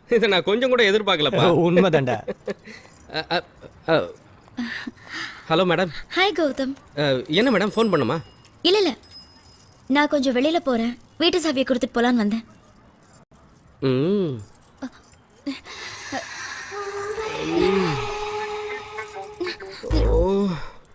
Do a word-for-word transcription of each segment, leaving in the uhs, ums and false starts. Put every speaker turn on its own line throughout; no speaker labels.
இதை நான் கொஞ்சம் கூட எதிர்பார்க்கலப்பா.
உண்மைதான்டா.
Hello madam.
ஹாய் கௌதம்.
என்ன மேடம் ஃபோன் பண்ணுமா?
இல்ல இல்ல, நான் கொஞ்சம் வெளியில போறேன், வீட்டு சாவியை கொடுத்துட்டு போலான்னு வந்தேன்.
ம் ஓ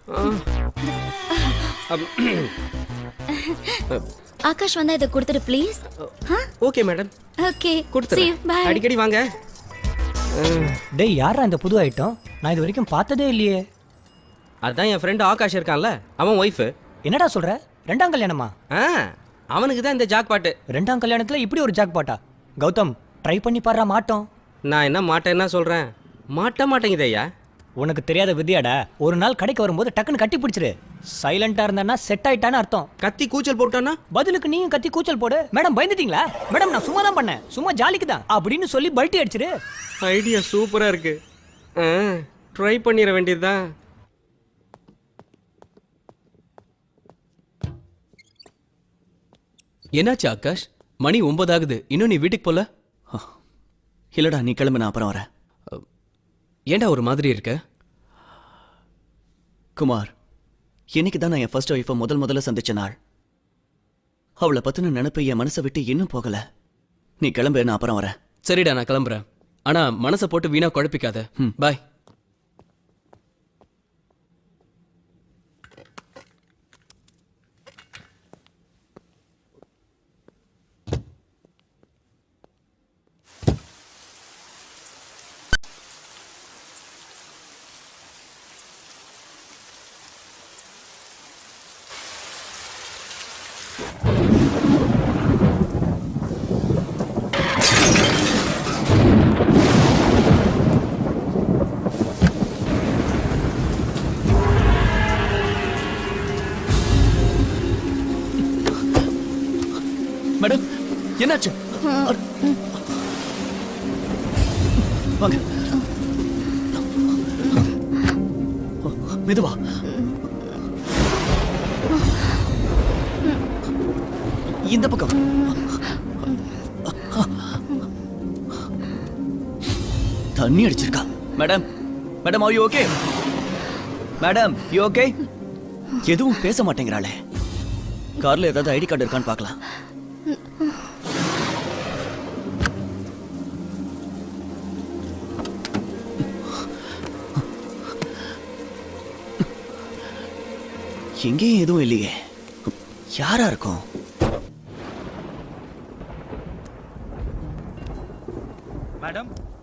ஆகாஷ் வந்தா இதை கொடுத்துட்டு ப்ளீஸ்.
ஓகே மேடம்,
ஓகே
கொடுத்துறேன். அடிக்கடி வாங்க.
டேய், யாரா இந்த புது ஐட்டம்? நான் இது வரைக்கும் பார்த்ததே இல்லையே.
அதான் என் ஃப்ரெண்டு ஆகாஷ் இருக்கான்ல, அவன் ஒய்ஃபு.
என்னடா சொல்ற? ரெண்டாம் கல்யாணமா?
ஆ, அவனுக்கு தான் இந்த ஜாக் பாட்டு.
ரெண்டாம் கல்யாணத்துல இப்படி ஒரு ஜாக் பாட்டா? கௌதம், ட்ரை பண்ணி பாடுறா மாட்டோம்.
நான் என்ன மாட்டேன்னா சொல்றேன், மாட்ட மாட்டேங்குது ஐயா.
உனக்கு தெரியாத விதியாடா. ஒரு நாள் கடைக்கு வரும்போது டக்குன்னு கட்டி பிடிச்சிரு. சைலண்டா இருந்தானா செட் ஆயிட்டான்னு அர்த்தம்.
கத்தி கூச்சல் போட்டானா
பதிலுக்கு நீயும் கத்தி கூச்சல் போடு. மேடம் பயந்துட்டீங்களா? மேடம் நான் சும்மா தான் பண்ணேன், சும்மா ஜாலிக்கு தான் அப்படின்னு சொல்லி பல்ட்டி அடிச்சிரு.
ஐடியா சூப்பரா இருக்கு. ட்ரை பண்ணிட வேண்டியதுதான்.
என்னாச்சு ஆகாஷ்? மணி ஒன்பது ஆகுது, இன்னும் நீ வீட்டுக்கு போல?
இல்லடா, நீ கிளம்பு, நான் அப்புறம் வரேன்.
ஏண்டா ஒரு மாதிரி இருக்க?
குமார், இன்னைக்கு தான் நான் என் ஃபர்ஸ்ட் ஒய்ஃபை முதல் முதல்ல சந்திச்ச நாள். அவளை பத்தின நினைப்பு என் மனசை விட்டு இன்னும் போகல. நீ கிளம்பு, நான் அப்புறம் வரேன்.
சரிடா, நான் கிளம்புறேன். ஆனா மனசை போட்டு வீணா குழப்பிக்காத. பாய். மேடம், என்னாச்சு?
வாங்க, மெதுவா. இந்த பக்கம். தண்ணி அடிச்சிருக்கா. Madam, madam are you okay? Madam you okay? எதுவும் பேச மாட்டேங்கிறாளே. கார்ல ஏதாவது ஐடி கார்டு இருக்கான்னு பார்க்கலாம். எங்கேயும் எதுவும் இல்லையே. யாரா இருக்கும்?
மேடம்,